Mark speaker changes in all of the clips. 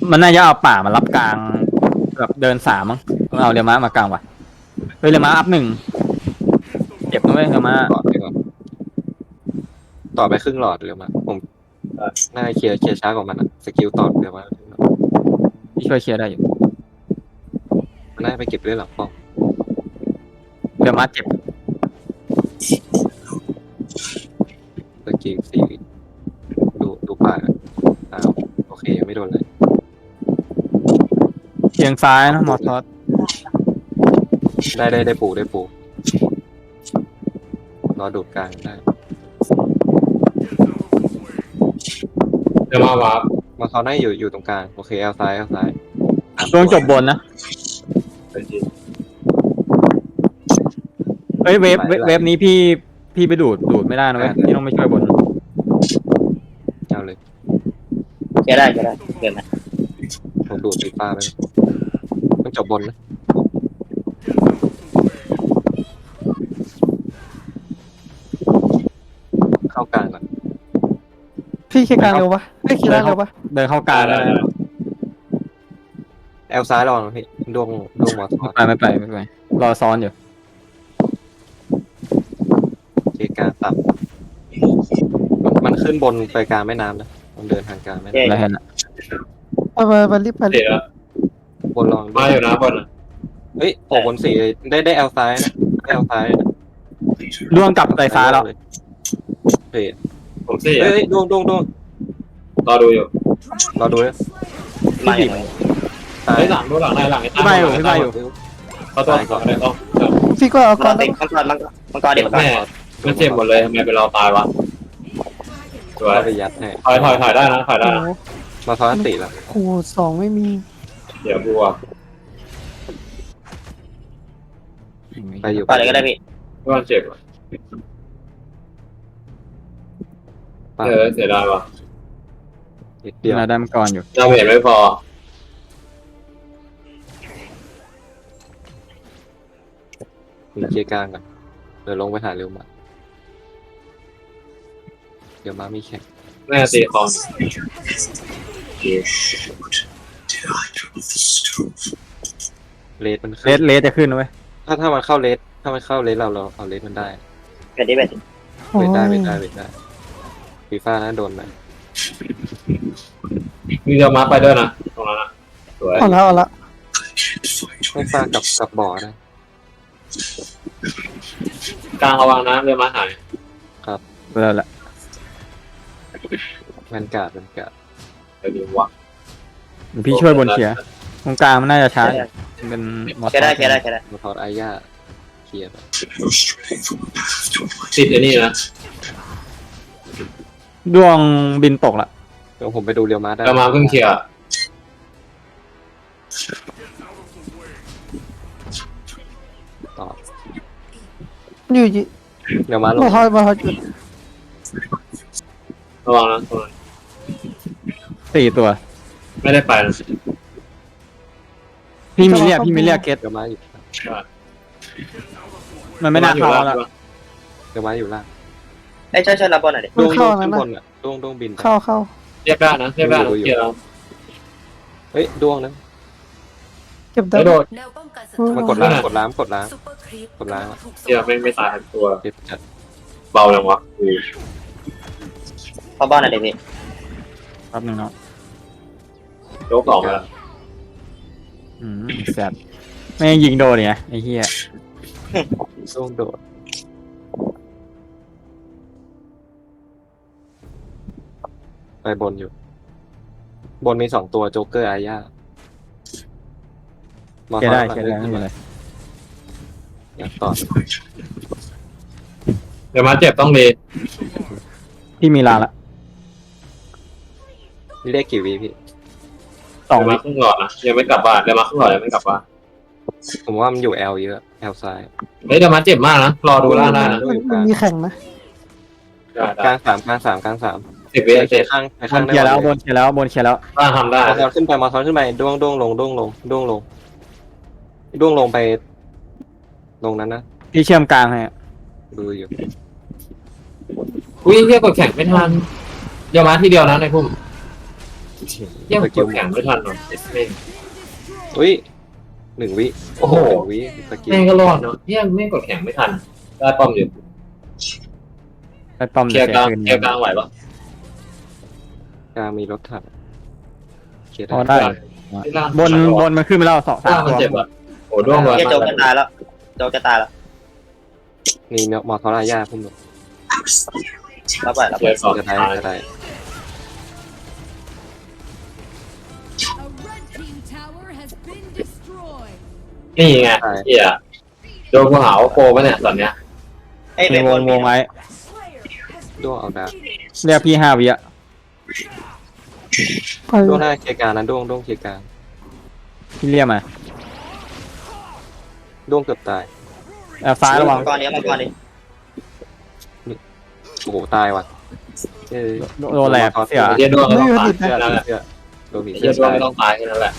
Speaker 1: มันน่าจะเอาป่ามารับกลางแบบเดินสามมั้งเอาเรียวม้ามากลางว่ะเฮ้ยเรียวม้าอัพหนึ่งเจ็บนะเว้ยเรียวม้า
Speaker 2: ต่อไปก่อนต่อไปครึ่งหลอดเลยมาผมน่าจะเคลียร์ช้ากว่ามันอะสกิลต่อเดี๋ยวมา
Speaker 1: พี่ช่วยเคลียร์ได้อยู่
Speaker 2: มันน่าจะไปเก็บด้วยหลังป้อม
Speaker 1: เรียวม้าเจ็บ
Speaker 2: สกิลสี่ดูป่าอ้าวโอเคไม่โดนเลย
Speaker 1: เคียงซ้ายนะมอสทอส
Speaker 2: ได้ปูรอดูดกลางได้
Speaker 3: เดี๋ยวมาวาร์ป
Speaker 2: มาเขาได้อยู่ตรงกลางโอเคเอาซ้าย
Speaker 1: ดวงจบบนนะเฮ้ยเวฟนี้พี่ไปดูดไม่ได้นะเว้ยพี่ต้องไม่ช่วยบน
Speaker 2: เอาเลย
Speaker 4: แกได้เกินนะ
Speaker 2: ผมดูดสีฟ้าไปต้องจบบนนะเข้ากลางก่อน
Speaker 5: พี่เคลียร์กลางเร็วปะไม่เคลียร์ล่างเร็วปะ
Speaker 1: เดินเข้ากลางเลย
Speaker 2: แอลซ้ายรองพี่ดวงมอส
Speaker 1: ไม่ไปรอซ้อนอยู่
Speaker 2: เคกลางต่ำมันขึ้นบนไปกลางแม่น้ำนะมันเดินทางกลางแม่น้
Speaker 1: แล้วเห็นอ่ะ
Speaker 5: ไปรีบไป
Speaker 3: เดี๋ยว
Speaker 2: ำบนลอง
Speaker 3: มาอยู่นะบนอ่ะ
Speaker 2: เฮ้ยโอ้บนสี่ได้แอลซ้ายนะได้แอลซ้าย
Speaker 1: ดวงกลับไปซ้ายแล้ว
Speaker 2: เฮ้ย
Speaker 3: ผมสี่
Speaker 2: เฮ้ยดวง
Speaker 3: รอดูอยู่
Speaker 2: รอดูนะ
Speaker 4: มาอย่างไร
Speaker 2: ซ้าย
Speaker 3: ไอ้หลังดูหลังในหลังไอ้
Speaker 1: พี่มาอยู่
Speaker 3: เขาตัวก่อนเลยต้อง
Speaker 5: พี่ก็เอา
Speaker 4: มั
Speaker 5: ก่อน น
Speaker 4: ติ
Speaker 5: แล้ว
Speaker 4: มังกรเด็กมังกร
Speaker 3: แม่มันเจ็บหมดเลยทำไมเป็นเราตายวะสวย
Speaker 2: เข้าไปยัดให้
Speaker 3: ถอยได้นะถอยได้
Speaker 5: โอ้
Speaker 3: นะ
Speaker 5: โห
Speaker 2: มาซ้อนติแล้ว
Speaker 5: โอ้โหสองไม่มี
Speaker 3: เดี๋ยวบัว
Speaker 2: ไปอยู่
Speaker 4: ต่อเลยก็ได้พี่
Speaker 3: ว่าเจ็บเสียดายว่ะ
Speaker 2: นิดเดียว
Speaker 1: นาได้มังกรอยู่
Speaker 3: เราเห็นไม่พอ
Speaker 2: มีเคกลางก่อนเดี๋ยวลงไปหาเร็วมาเดี๋ยวมามีแข่ง
Speaker 3: แม่ตีคอม
Speaker 2: เลสมันขึ้น
Speaker 1: เลสจะขึ้นนะเว้ย
Speaker 2: ถ้ามันเข้าเลสเราเอาเลสมันได้
Speaker 4: เป็นที่เป็น
Speaker 5: โอ้
Speaker 2: เวทได้
Speaker 5: ย
Speaker 2: ฟีฟ่านะโดนไหม
Speaker 3: มีเดียวมาไปด้วยนะตรงนั้นนะสวย
Speaker 5: เอาละ
Speaker 2: ฟีฟ่ากับบ่อนะ
Speaker 3: กลางระวังนะเรือมาหาย
Speaker 1: แล้วแหละ
Speaker 2: แวนการ์ด
Speaker 3: เดี๋ยวดีวะ
Speaker 1: พี่ช่วยบนเคลียร์ตรงกลางมันน่าจะช้าเป็นมอส
Speaker 4: แกได้
Speaker 2: มาทอดไอ้ย่าเคลียร์
Speaker 3: ติดไอ้นี่นะ
Speaker 1: ดวงบินตกละ
Speaker 2: เดี๋ยวผมไปดูเรียวมาได้
Speaker 3: เรือมาเพิ่งเคลียร์
Speaker 2: ต่อ
Speaker 5: อยู่ยี่
Speaker 2: เรียวมาลง
Speaker 5: มาทอยจุด
Speaker 3: ระวังนะตรงนั้น
Speaker 1: 4 ตัว
Speaker 3: ไม่ได้ไปนะ
Speaker 1: พี่มีเรียกเกต
Speaker 2: เรียวมาอยู่
Speaker 1: มันไม่น่าเข้าแล้ว
Speaker 2: เรียวมาอยู่ล่าง
Speaker 4: ไอ้ช่วยรับบอลหน่อยดิ
Speaker 2: ดวงขึ้นบนอ่ะดวงบิน
Speaker 5: เข้า
Speaker 3: เรียกได้นะเคลียร์แล้ว
Speaker 2: เฮ้ยดวงนะ
Speaker 5: เก็บได้
Speaker 3: ไม่โดด
Speaker 6: แนวป้องกันศัตรู
Speaker 2: มากดล้างซุปเปอร์ครีป
Speaker 6: กดล้าง
Speaker 3: เคลียร์ไม่ตายทั้งตัว
Speaker 2: เจ็บจัด
Speaker 3: เบาจังวะ
Speaker 4: เข้าบ้านหน่อยดิพี่
Speaker 1: แป๊บนึงเนาะ
Speaker 3: ยกสองแล้ว
Speaker 1: แซดไม่งยิงโดนเนี่ยไอ้เหี้ย
Speaker 2: ดวงโดดไปบนอยู่ บนมี2 ตัวโจ๊กเกอร์อาญา
Speaker 1: เคลียร์ได้ไม่เป็นไร
Speaker 2: อยากต่อ
Speaker 3: เดี๋ยวมาเจ็บต้องดี
Speaker 1: พี่มีลาละ
Speaker 2: นี่ได้กี่วิพี่
Speaker 1: 2
Speaker 3: เดี๋ยว
Speaker 1: วิ
Speaker 3: มาครึ่งหลอดนะยังไม่กลับบ้านเดี๋ยวมาครึ่งหลอดยังไม่กลับบ้าน
Speaker 2: ผมว่ามันอยู่แอลเยอะแอลซ้าย
Speaker 3: เฮ้ยเดี๋ยวมาเจ็บมากนะรอดูล่างได้นะ
Speaker 5: มันมีแข่งนะ
Speaker 2: กลาง3กลาง3
Speaker 3: 10 วิ
Speaker 2: ไป
Speaker 3: เจ็บ
Speaker 2: ข้าง
Speaker 1: บนเคลียร์แล้วบนเคลียร์แล้ว
Speaker 3: ล่างทำได้
Speaker 2: มาซ้อนขึ้นไปดวงลงดวงลงไปลงนั้นนะ
Speaker 1: พี่เชื่อมกลางให้
Speaker 2: ดูอยู่
Speaker 3: อุ้ยเรียกกดแข่งไม่ทันเดี๋ยวมาทีเดียวนะในพุ่มเยี่ยมกดแข่งไม่ทันหรอกแม่ง
Speaker 2: อุ้ย1 วิโอ้โห
Speaker 3: โอ้โห
Speaker 2: 1 วิสกิล
Speaker 3: แม่งก็รอดเนาะเยี่ยมแม่งกดแข่งไม่ทันได้ป้อมอยู่
Speaker 1: ไปป้อม
Speaker 3: เคลียร์กลาง
Speaker 1: คืน
Speaker 3: เคลียร์กลางไหวปะ
Speaker 2: กลางมีรถถังเคลียร์
Speaker 1: พอได้
Speaker 3: ที่ล่าง
Speaker 1: บนมันขึ้นไปแล้วสองสาม
Speaker 3: ล่างมัน
Speaker 1: ตัว
Speaker 3: เจ็บอ่ะโอ้ด้วงเลย
Speaker 4: เฮียโจกจะตายแล้วโจกจะตายแล้ว
Speaker 2: มีมอทอร่าย่าพุ่งลง
Speaker 4: รับไปรับ
Speaker 3: เค
Speaker 4: ไป
Speaker 3: ลียร์สอง
Speaker 2: จะได้
Speaker 3: ตาย
Speaker 2: จะได้
Speaker 6: A red team tower has been destroyed.
Speaker 3: นี่ไงเฮียโดนกูหาว่าโกปะเนี่ยตอนเนี้ย
Speaker 4: ไอ้
Speaker 1: มี
Speaker 4: เป็น
Speaker 1: วงไว้
Speaker 2: ด้วงเอาดาบ
Speaker 1: เรียกพี่5 วิอะ
Speaker 5: ไป
Speaker 2: ด้วงหน้าเคลียร์กลางนะด้วงเคลียร์กลาง
Speaker 1: พี่เรียกมา
Speaker 2: ด้วงเกือบตาย
Speaker 1: แอบซ้ายระวัง
Speaker 4: มังกรนี้มังกรนี้
Speaker 2: โอ้โหตายว่ะเอ้ย
Speaker 1: โดนแหลกเสีย
Speaker 3: เฮียด้วงก็ต้องตาย
Speaker 2: เสื้อ
Speaker 3: แค่นั้นแหละ
Speaker 2: เสื้อโดนผี
Speaker 3: เฮี
Speaker 2: เสื้
Speaker 3: ย
Speaker 2: อ
Speaker 3: ด้วง
Speaker 2: ตาย
Speaker 3: ไม่ต้องตายแค่นั้นแหละ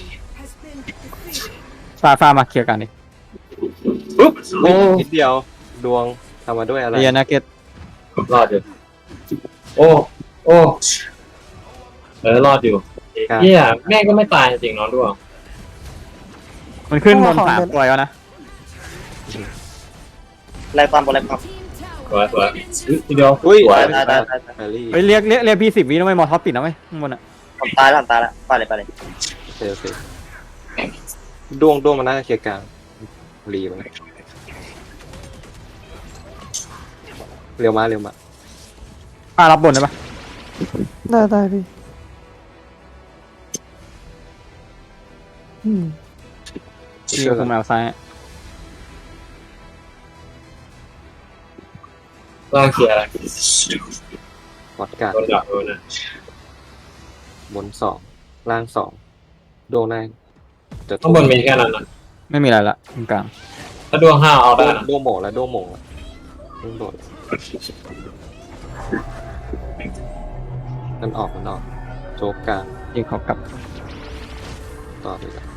Speaker 1: ฟ้ามาเคลียร์กันดิ
Speaker 3: ปุ๊บ
Speaker 2: โอ้นิดเดียวดวงทำมาด้วยอะไร
Speaker 1: เรียนนะเกต
Speaker 3: รอดอยู่โอ้รอดอยู่เฮียแม่งก็ไม่ตายจริงๆน้องด้วง
Speaker 1: มันขึ้นบน3 ตัวแล้วนะ
Speaker 4: ไล่ความบนไล่ความ
Speaker 6: Team
Speaker 3: สวย
Speaker 6: tower.
Speaker 3: ทีเดียว
Speaker 2: อุ้ย
Speaker 3: สวย
Speaker 4: ตายตายตาย
Speaker 2: แมรี่
Speaker 1: เฮ้ยเรียกพี่10 วินะไม่มอท็อปติดนะเว้ยข้างบนอะ
Speaker 4: ผมตายแล้วผมตายแล้วไปเลยไปเลย
Speaker 2: โอเคด้วงมันน่าจะเคลียร์กลางรีมันเร็วมา
Speaker 1: ป้ารับบนได้ปะ
Speaker 5: ได้พี่อืม
Speaker 1: พี่คุมแอลซ้าย
Speaker 3: ล่างเคลียร์อะไร
Speaker 2: วัดการ
Speaker 3: โดนดักโดนนะ
Speaker 2: บน2ล่าง2ด้วงได้จะ
Speaker 3: ข้างบนมีแค่นั้นนะ
Speaker 1: ไม่มีอะไรละตรงกลาง
Speaker 3: ถ้าดวง5เอาได้นะ
Speaker 2: ด้วงโหม่งแล้วด้วงโหม่งแล้วด้วงโดดมันออกโจกกลาง
Speaker 1: ยิงเขากลับ
Speaker 2: ต่อไปกัน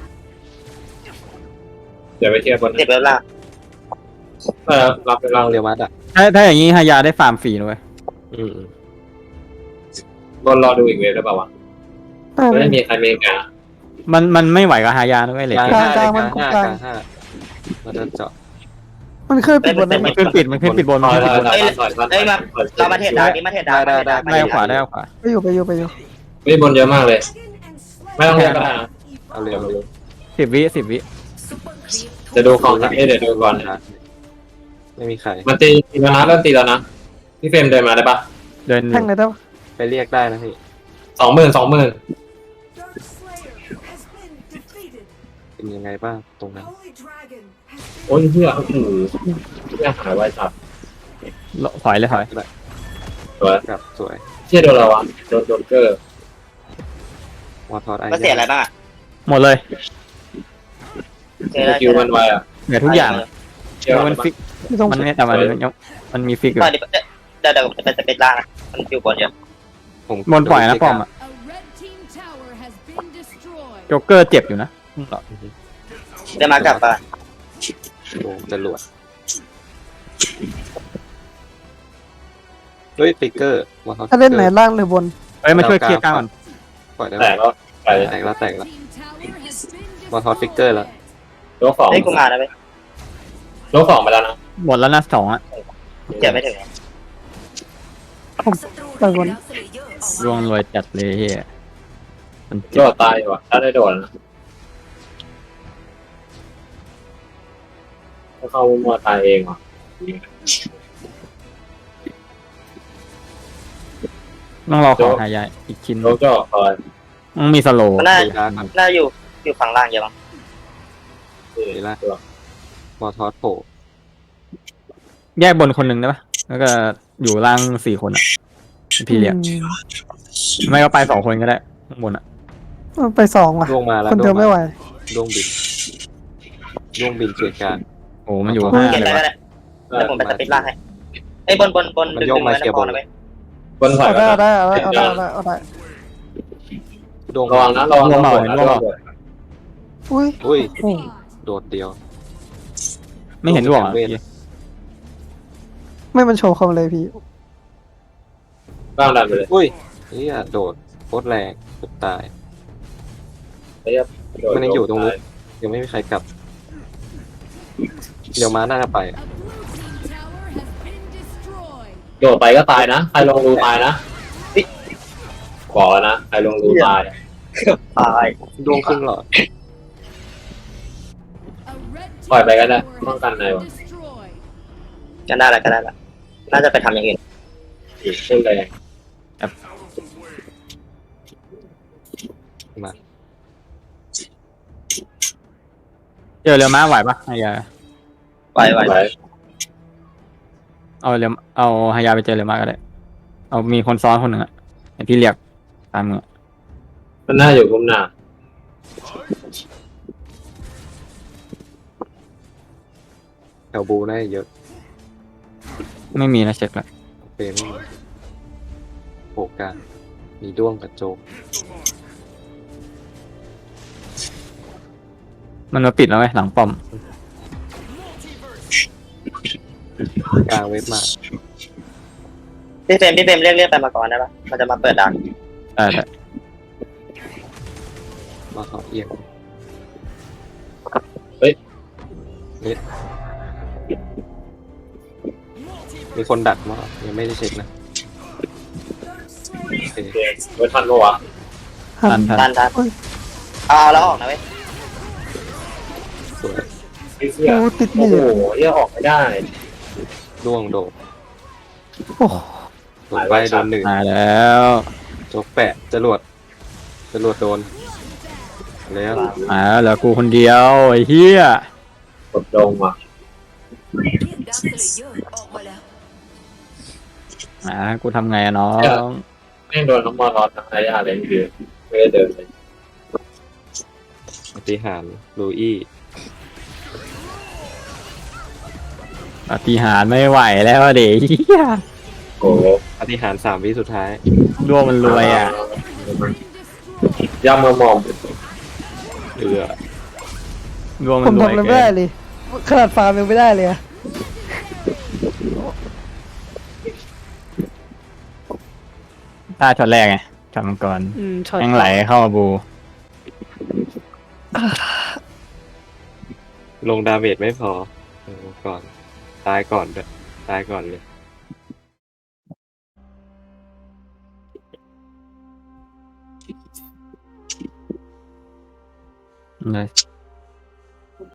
Speaker 3: เดี๋ยวไปเคลียร์บน
Speaker 4: เจ็บแล้วล่ะ
Speaker 3: รับไป
Speaker 2: ล่า
Speaker 3: ล่าง ง
Speaker 2: เรียวมัดอ่ะ
Speaker 1: ถ้าอย่างนี้ฮายาได้ฟาร์มฟรีนะเว้ย
Speaker 2: อืม
Speaker 3: บนรอดูอีกเวฟได้ป่าวะ
Speaker 5: ได้
Speaker 3: ไม่
Speaker 5: พี่
Speaker 3: มีใครเมกา
Speaker 1: มันไม่ไหวกับฮายานะเว้ยเหล็ก
Speaker 2: กลาง
Speaker 5: กลาง
Speaker 2: 5
Speaker 5: มัน
Speaker 2: กลาง
Speaker 5: กลาง
Speaker 2: 5มันจะเจาะ
Speaker 5: มันเคยปิดบนนั้น
Speaker 1: มันขึ้นปิดมันขึ้นปิดบน
Speaker 3: ถ
Speaker 1: มัน
Speaker 3: อย
Speaker 1: ขึ้นปิดบน
Speaker 3: ถอย
Speaker 4: เรามาเทศดาวนี้มาเทศดาว
Speaker 1: ได้ขวาได้ขวา
Speaker 5: ไปอยู่
Speaker 3: วิ่งบนเยอะมากเลย ไม่ต้องเรียกก็ได้นะ
Speaker 2: เอาเร็ว
Speaker 1: 10 วิ
Speaker 3: จะดูของนะเดี๋ยวดูก่อนนะ
Speaker 2: ไม่มีใคร
Speaker 3: มันตีแล้วนะเริ่มตีแล้วนะพี่เฟรมเดินมาได้ปะ
Speaker 1: เดิน
Speaker 5: แท่งเลยได้ปะ
Speaker 2: ไปเรียกได้นะพี่
Speaker 3: 20,000
Speaker 2: เป็นยังไงบ้างตรงนั้น
Speaker 3: โอ้ยเฮียโอ้โหเฮียหายไวจัด
Speaker 1: ถอยเลยถอย
Speaker 3: สวย
Speaker 2: กับสวย
Speaker 3: เฮียโดนอะไรวะโดนโจเกอร์
Speaker 2: วอทอดไอ้
Speaker 4: มันเสียอะไรบ้างอ่ะ
Speaker 1: หมดเลย
Speaker 4: เจอได้
Speaker 3: คิวมันไวอ่ะ
Speaker 1: เหลือทุกอย่าง
Speaker 3: เชื่อ
Speaker 1: มันฟิก
Speaker 5: ไม่ต้อง
Speaker 1: มันไม่แต่มันมีฟิกอยู่
Speaker 4: ตอนนี้เดี๋ยวจะเป็นล่างนะมันอยู่บนเยอะ
Speaker 2: ผม
Speaker 1: บนปล่อยนะป้อมอะ
Speaker 6: A red team tower has been destroyed.
Speaker 1: โจ๊กเกอร์เจ็บอยู่นะ
Speaker 4: เดี๋ยวมากลับบ้าน
Speaker 2: โอ้จรวดเฮ้ยฟิกเกอร์วอทอด
Speaker 5: ถ้าเล่นไหนล่างหรือบน
Speaker 1: เอ้ยมาช่วยเคลียร์กลางก่อน
Speaker 2: ปล่อยได้
Speaker 3: แตกแล้วไป
Speaker 2: แตกแล้ว
Speaker 6: Team tower has been
Speaker 2: วอทอดฟิกเกอร์แล้ว
Speaker 3: โลกสอง
Speaker 4: เฮ้ยกูมาแล้วไป
Speaker 3: โลกสองไปแล้วนะ
Speaker 1: หมดแล้วนะ2อะ
Speaker 4: เจ็บไม่ถึง
Speaker 5: ไปบน
Speaker 1: รวงรวยจัดเลยเฮียมัน
Speaker 3: โด
Speaker 1: เจ็บ
Speaker 3: ดตายอยู่อ่ะถ้าได้โดดนะถ้าเข้ามัวตายเองว่ะ
Speaker 1: ต้องรอของหายาอีกชิ้น
Speaker 3: โลกจะออกคอย
Speaker 1: มันมีสโลว์
Speaker 4: มันน่า
Speaker 2: ดีละครับ
Speaker 4: น่าอยู่ฝั่งล่างเยอะมั้ง
Speaker 2: ดีละวอทอดโผล่
Speaker 1: แยกบนคนหนึ่งได้ปะแล้วก็อยู่ล่าง4 คนอะพี่เรียก
Speaker 5: อืม
Speaker 1: ไม่ก็ไป2 คนก็ได้ข้างบนอะ
Speaker 5: ไป2ว่ะ
Speaker 2: ดวงมาแล้ว
Speaker 5: คนเดียวไม่ไหว
Speaker 2: ดวงบินเกียร์กลาง
Speaker 1: โอ้มันอยู่
Speaker 5: โอ้
Speaker 1: 5
Speaker 4: เก็บ
Speaker 1: เล
Speaker 4: ได้
Speaker 1: ยวะ
Speaker 4: ก็ได้แล้วผมไปสปิดล่างให้ไอ้บนดึงไว้นะพอนะไป
Speaker 3: บนถอย
Speaker 5: เอา
Speaker 3: ไป
Speaker 5: ได้เอาได้
Speaker 2: ดวง
Speaker 3: ระวังนะระวังระวังระวัง
Speaker 5: อุ้ย
Speaker 2: อุ้ย
Speaker 5: โอ้
Speaker 2: โดดเดียว
Speaker 1: ไม่เห็นดวงอะ
Speaker 2: เวท
Speaker 5: ไม่มันโชว์คอมเลยพี่
Speaker 3: บ้างดันไปเลย
Speaker 2: อุ้ยนี่โดดโคตรแรงเกือบตาย
Speaker 3: เรียบ
Speaker 2: มันยังอยู่ตรงนู้นยังไม่มีใครกลับ เดี๋ยวม้าน่าจะไป
Speaker 6: A blue team tower has been destroyed.
Speaker 3: โดดไปก็ตายนะใครลงรูตายนะบอกแล้วนะใครลงรูตาย
Speaker 4: ตาย
Speaker 2: ดวงครึ่งหลอด
Speaker 6: A red
Speaker 3: ปล่อย
Speaker 6: team
Speaker 3: ไปก็ได้
Speaker 6: tower
Speaker 3: ป้องกัน
Speaker 6: has
Speaker 3: ใน
Speaker 6: been
Speaker 3: วะ
Speaker 6: destroyed.
Speaker 4: ก็ได้ละก็ได้ละน่าจะไปทำอย่างอื่น
Speaker 3: ขึ้นเลย
Speaker 2: มา
Speaker 1: เจอเรือม้าไหวปะฮายา
Speaker 4: ไว้ไว้
Speaker 3: ไว้
Speaker 1: เอาฮายาไปเจอเรือม้าก็ได้เอามีคนซ้อนคนหนึ่งอะไอพี่เรียกตามมือ
Speaker 3: มันน่าอยู่กุมหน้า
Speaker 2: แถวบูน่าจะเยอะ
Speaker 1: ไม่มีนะเช็คแล้ว
Speaker 2: เฟรมไม่มีโผล่กลางมีด้วงกับโจม
Speaker 1: มันมาปิดแล้วไหมหลังป้อม
Speaker 2: กลางเว็บมา
Speaker 4: พี่เฟรมเรียกไปมาก่อนได้ปะมันจะมาเปิดดัง
Speaker 1: แต่
Speaker 2: มาเขาเอียง
Speaker 3: เฮ้ย
Speaker 2: มีคนดักมายังไม่ได้เช็คนะโอเค
Speaker 3: เกมไว้ทันปะวะ
Speaker 1: ทัน
Speaker 4: ทันเอาแล้วออกนะเว้ย
Speaker 2: สวย
Speaker 3: ไอ้เหี้ย
Speaker 5: โอ้ติด
Speaker 3: โอ้
Speaker 5: นี่
Speaker 3: โห
Speaker 5: เลย
Speaker 3: เหี้ยออกไม่ได้
Speaker 2: ด้วงโดด
Speaker 5: โอ้
Speaker 2: โดดไปโดนหนึ่ง
Speaker 1: มาแล้ว
Speaker 2: โจกแปะจรวดโดนแล้ว
Speaker 1: มาแล้วเหลือกูคนเดียวไอ้เหี้ย
Speaker 3: กดลงว่ะ
Speaker 1: กูทำไงอะน้อง
Speaker 3: แม่งโดนน้องมอรอดทั้งระยะเลยคือไม่ได้เดินเลย
Speaker 2: ปฏิหารย์ลูอี้
Speaker 1: ปาฏิหาริย์ไม่ไหวแล้วอะเด็กเหี้ย
Speaker 3: โอ้โห
Speaker 2: ปฏิหารย์3 วิสุดท้าย
Speaker 1: ดวงมันรวยอ่ะ
Speaker 3: ย่ำมามอง
Speaker 2: เอือ
Speaker 1: ดวง
Speaker 5: ผ
Speaker 1: มัน
Speaker 5: ม
Speaker 1: รวย
Speaker 5: ทำอะไรไม่
Speaker 1: เกิ
Speaker 5: ได้
Speaker 1: น
Speaker 5: เลย ขนาดฟาร์มยังไม่ได้เลยอะ
Speaker 1: ท่าช็อตแรกไงช็อตมังกร
Speaker 5: ช็อต
Speaker 1: แม่งไหลเข้ามาบู
Speaker 2: ลงดาเมจไม่พอก่อนตายก่อนด้วยตายก่อนเลย
Speaker 1: เลย